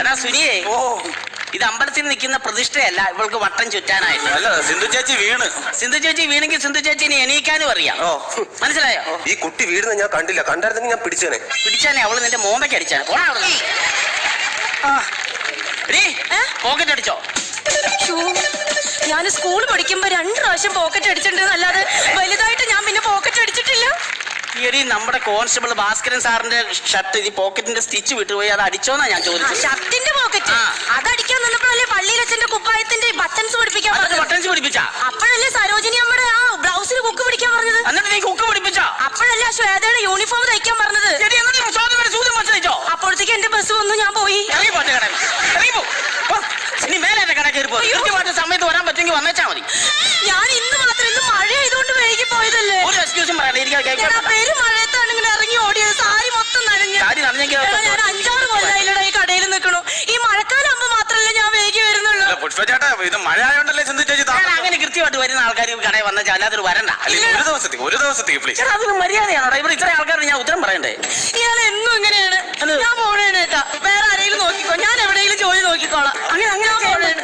എടാ സുനിയേ, ഓ ഇത് അമ്പലത്തിൽ നിൽക്കുന്ന പ്രതിഷ്ഠയല്ല, ഇവൾക്ക് വട്ടം ചുറ്റാനായിട്ട്. അല്ല, സിന്ധു ചേച്ചി വീണ്. സിന്ധു ചേച്ചി വീണെങ്കിൽ സിന്ധു ചേച്ചിനെ എണീക്കാനും അറിയാം. ഓ മനസ്സിലായോ? ഈ കുട്ടി വീഴുന്ന ഞാൻ കണ്ടില്ല, കണ്ടായിരുന്നെങ്കിൽ ഞാൻ പിടിച്ചേനെ. പിടിച്ചാനെ അവള് നിന്റെ മോമയ്ക്ക് അടിച്ചാണ്. പോക്കറ്റ് അടിച്ചോ? ഞാൻ സ്കൂൾ പഠിക്കുമ്പോ 2 പ്രാവശ്യം പോക്കറ്റ് അടിച്ചിട്ടുണ്ട്, അല്ലാതെ വലുതായിട്ട് ഞാൻ പിന്നെ പോക്കറ്റ് അടിച്ചിട്ടില്ല. ഈ നമ്മുടെ കോൺസ്റ്റബിൾ ഭാസ്കരൻ സാറിന്റെ ഷർട്ട് ഈ പോക്കറ്റിന്റെ സ്റ്റിച്ച് വിട്ടുപോയി, അത് അടിച്ചോന്നാ ഞാൻ ചോദിച്ചത്. ഷർട്ടിന്റെ പോക്കറ്റ് അതടിക്കാൻ നിന്നപ്പോഴല്ലേ പള്ളിയിൽ അച്ഛന്റെ കുപ്പായത്തിന്റെ ബട്ടൺസ് പിടിപ്പിക്കാൻ പറഞ്ഞത്. ബട്ടൺസ് പിടിപ്പിച്ചാ? അപ്പോഴല്ലേ സരോജിനി അമ്മയുടെ ആ ബ്ലൗസിന് കുക്ക് പിടിക്കാൻ പറഞ്ഞത്. എന്നിട്ട് നീ കുക്ക് പിടിപ്പിച്ചാ? അപ്പോഴല്ലേ ശ്വേതയുടെ യൂണിഫോം തയ്ക്കാൻ പറഞ്ഞത്. അപ്പോഴത്തേക്ക് എന്റെ ബസ് വന്നു, ഞാൻ പോയി. ഇനി മേലെ എന്റെ കട കയറി പോയി സമയത്ത് വരാൻ പറ്റുമെങ്കിൽ വന്നേച്ചാ മതി. ഞാൻ ഇന്ന് മാത്രം, ഇന്ന് മഴ ആയതുകൊണ്ട് വൈകി പോയതല്ലേ. ഒരു എക്സ്ക്യൂസും പറയണ്ട. പേര് മഴയത്താണ് ഇങ്ങനെ ഇറങ്ങി ഓടിയത്, സാരി മൊത്തം നനഞ്ഞു. ഞാൻ 5-6 കൊല്ലായില്ലടാ ഈ കടയിൽ നിൽക്കണു. ഈ മഴക്കാലാകുമ്പോ മാത്രല്ലേ ഞാൻ വൈകി വരുന്നുള്ളൂ. പുഷ്പചേട്ടാ, ഇത് മഴ ആയോണ്ടല്ലേ സിന്ധു ചേച്ചി അങ്ങനെ കൃത്യമായിട്ട് വരുന്ന ആൾക്കാർ കടയിൽ വന്നാൽ അല്ലാതൊരു വരണ്ട. ഒരു ദിവസത്തേക്ക് പ്ലീസ്. അതൊരു മര്യാദയാണോ? ഇവിടെ ഇത്ര ആൾക്കാർ ഞാൻ ഉത്തരം പറയണ്ടേ? ഇയാൾ എന്നും ഇങ്ങനെയാണ്. ഞാൻ പോണേട്ടാ, വേറെ ആരെങ്കിലും നോക്കിക്കോ, ഞാൻ എവിടെയെങ്കിലും ജോലി നോക്കിക്കോളാം. അങ്ങനെ പോണേണ്.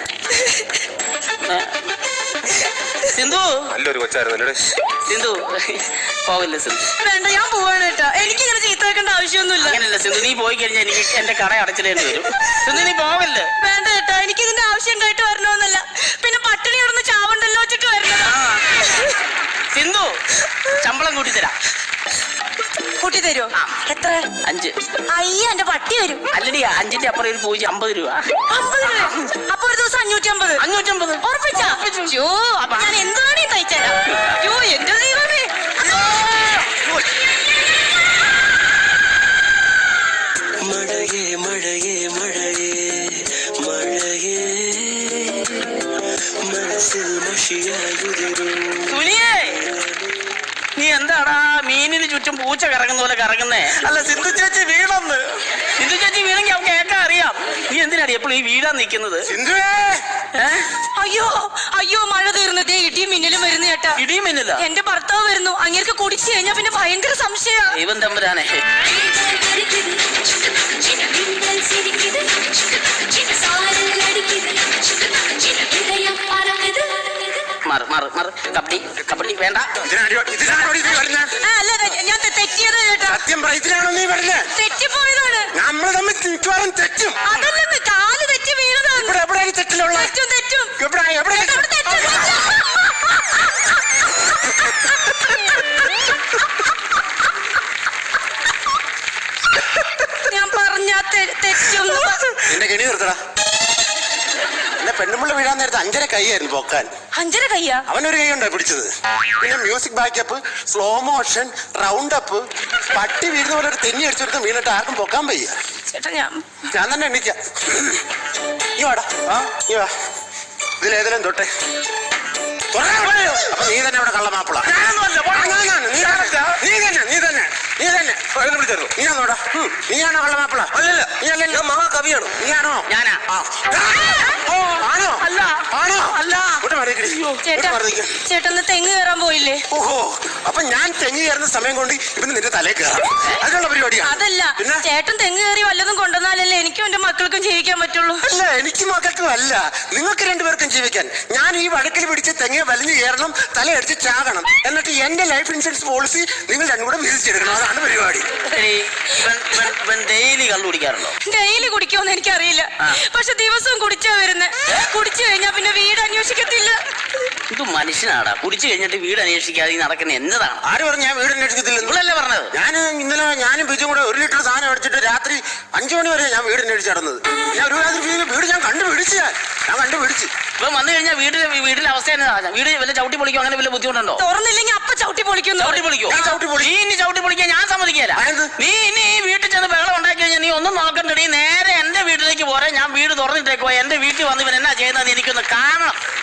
സിന്ധു നല്ലൊരു കൊച്ചായിരുന്നല്ലേ സിന്ധു. പോകില്ല സിന്ധു. വേണ്ട, ഞാൻ പോവാണേട്ടാ. എനിക്ക് ഇങ്ങനെ ചീത്ത വെക്കേണ്ട ആവശ്യമൊന്നുമില്ല. അങ്ങനെയല്ല സിന്ധു, നീ പോയി കഴിഞ്ഞാൽ എനിക്ക് എന്റെ കട അടച്ചിടേണ്ടി വരും. സിന്ധു നീ പോകല്ലേ. വേണ്ട ഏട്ടാ, എനിക്ക് ഇതിന്റെ ആവശ്യം ഉണ്ടായിട്ട് വരണമെന്നല്ല, പിന്നെ പട്ടിണി കിടന്ന് ചാവണ്ടല്ലോ വെച്ചിട്ട് വരണം. സിന്ധു, ശമ്പളം കൂട്ടി തരാം. കൂട്ടി തരുമോ? എത്ര? 5. അയ്യ, എന്റെ പട്ടി വരും. അല്ലടി, 5ന്റെ അപ്പുറം ഒരു 50 രൂപ. 50 രൂപ? അപ്പൊ ഒരു ദിവസം 550. 550 ഉറപ്പിച്ചാ? അപ്പൊ ഞാൻ എന്താണ് ഈ തയ്ച്ചേരാ? എന്റെ ദൈവമേ. മഴയേ മഴയേ മഴയേ മഴയേ മനസ്സിൽ മഷിയായുതിരും. സുനിയേ, നീ എന്താടാ മീനിന് ചുറ്റും പൂച്ച കറങ്ങുന്ന പോലെ കറങ്ങുന്നേ? അല്ല, സിന്ധു ചേച്ചി വീണെന്ന്. സിന്ധു ചേച്ചി വീണെങ്കിൽ അവർക്ക് കേൾക്കാൻ അറിയാം. നീ എന്തിനാടി എപ്പോഴും ഈ വീഴാൻ നിൽക്കുന്നത്? സിന്ധുവേ, അയ്യോ അയ്യോ, മഴ തീർന്നതേ, ഇടിയും മിന്നലും വരുന്നു ചേട്ടാ. ഇടിയും മിന്നില്ല? എന്റെ ഭർത്താവ് വരുന്നു. അങ്ങേർക്ക് കുടിച്ചു കഴിഞ്ഞാ പിന്നെ ഭയങ്കര സംശയ. ദൈവം തമ്പുരാനെ. കബഡി വേണ്ട. അല്ല, ഞാൻ തെറ്റിയത് ചേട്ടാ. സത്യം പറ, ഇതിനാണോ നീ പറഞ്ഞത്? തെറ്റിപ്പോയതാണ്. നമ്മൾ തമ്മിൽ മിക്കവാറും തെറ്റും. അതല്ലെന്ന്, കാല് തെറ്റി വീണതാണ്. ഇവിടെ എവിടെയാണ് തെറ്റിലുള്ള? തെറ്റും. എവിടെ ഞാൻ പറഞ്ഞ തെറ്റും. നിന്റെ കെണി നിർത്തടാ. എന്നെ പെണ്ണുമ്പിള്ള വീഴാൻ നേരത്തെ 5.5 കൈയായിരുന്നു പോക്കാൻ. 5.5 കയ്യാ? അവനൊരു കൈ ഉണ്ടോ പിടിച്ചത്? പിന്നെ music backup, slow motion, round up, പട്ടി വീഴുന്ന പോലെ ഒരു തെന്നി അടിച്ചെടുത്ത് വീണിട്ട് ആർക്കും പൊക്കാൻ വയ്യ. ചേട്ടാ, ഞാൻ തന്നെ എണ്ണിക്കാം. ഈ വാടാ, ഈ വാ. ഇതിലേതെങ്കിലും തൊട്ടെ. അപ്പൊ നീ തന്നെ അവിടെ കള്ളമാപ്പിള. നീയാണോ കള്ളമാപ്പിള? നീയല്ലോ മഹാകവിയാണോ? നീയാണോ? ഞാനാ. ആണോ? അല്ല. ആണോ? അല്ല. ചേട്ടന്ന് തെങ്ങ് കയറാൻ പോയില്ലേ? ഓഹോ, അപ്പൊ ഞാൻ തെങ്ങ് കയറുന്ന സമയം കൊണ്ട് ഇവന് നിന്റെ തലയിൽ കയറാം, അതിനുള്ള പരിപാടിയാണ്. അതല്ല, ചേട്ടൻ തെങ്ങ് കയറി വല്ലതും കൊണ്ടുവന്നാലല്ലേ എനിക്കും എന്റെ മക്കൾക്കും ജീവിക്കാൻ പറ്റുള്ളൂ. അല്ല, എനിക്ക് മക്കൾക്കും അല്ല, നിങ്ങൾക്ക് 2 പേർക്കും ജീവിക്കാൻ. ഞാൻ ഈ വടക്കിൽ പിടിച്ച് തെങ്ങ് വലിഞ്ഞു കയറണം, തലയടിച്ച് ചാകണം, എന്നിട്ട് എന്റെ ലൈഫ് ഇൻഷുറൻസ് പോളിസി നിങ്ങൾ 2 കൂടെ വിധിച്ചെടുക്കണം. അതാണ് പരിപാടി. ഡെയിലി കള്ളു കുടിക്കാറുണ്ടോ? ഡെയിലി കുടിക്കുമെന്ന് എനിക്കറിയില്ല, പക്ഷെ ദിവസവും കുടിച്ചാ വരുന്നത്. കുടിച്ചു കഴിഞ്ഞാ പിന്നെ വീട് അന്വേഷിക്കത്തില്ല. ഇത് മനുഷ്യനാടാ, കുടിച്ചു കഴിഞ്ഞിട്ട് വീട് അന്വേഷിക്കാതെ നടക്കുന്ന എന്നതാണ്? ആര് പറഞ്ഞു ഞാൻ വീട് അന്വേഷിക്കത്തില്ല? നിങ്ങളല്ലേ പറഞ്ഞത്? ഇന്നലെ ഞാനും ബിജും കൂടെ 1 ലിറ്റർ സാധനം അടിച്ചിട്ട് രാത്രി 5 മണി വരെ ഞാൻ വീട് അന്വേഷിച്ച് നടന്നത്. ഞാൻ ഒരു രാത്രി വീട് ഞാൻ കണ്ടുപിടിച്ചു. ഇപ്പൊ വന്നു കഴിഞ്ഞാൽ വീടിന്റെ അവസ്ഥ എന്നതാ? വീട് വല്ല ചവിട്ടി പൊളിക്കോ അങ്ങനെ വല്ല ബുദ്ധിമുട്ടുണ്ടോ? തുറന്നില്ലെങ്കിൽ അപ്പൊ ചവിട്ടി പൊളിക്കുന്നു. ചവിട്ടി പൊളിക്കോ? നീ ഇനി ചവിട്ടി പൊളിക്കാൻ ഞാൻ സമ്മതിക്കില്ല. നീ ഇനി ഈ വീട്ടിൽ ചെന്ന് ബഹളം ഉണ്ടാക്കി കഴിഞ്ഞാൽ നീ ഒന്നും നോക്കണ്ട. നീ നേരെ എന്റെ വീട്ടിലേക്ക് പോരെ. ഞാൻ വീട് തുറന്നിട്ടേക്കോ. എന്റെ വീട്ടിൽ വന്ന് ഇവൻ എന്നാ ചെയ്യുന്നത് എനിക്കൊന്ന് കാണണം.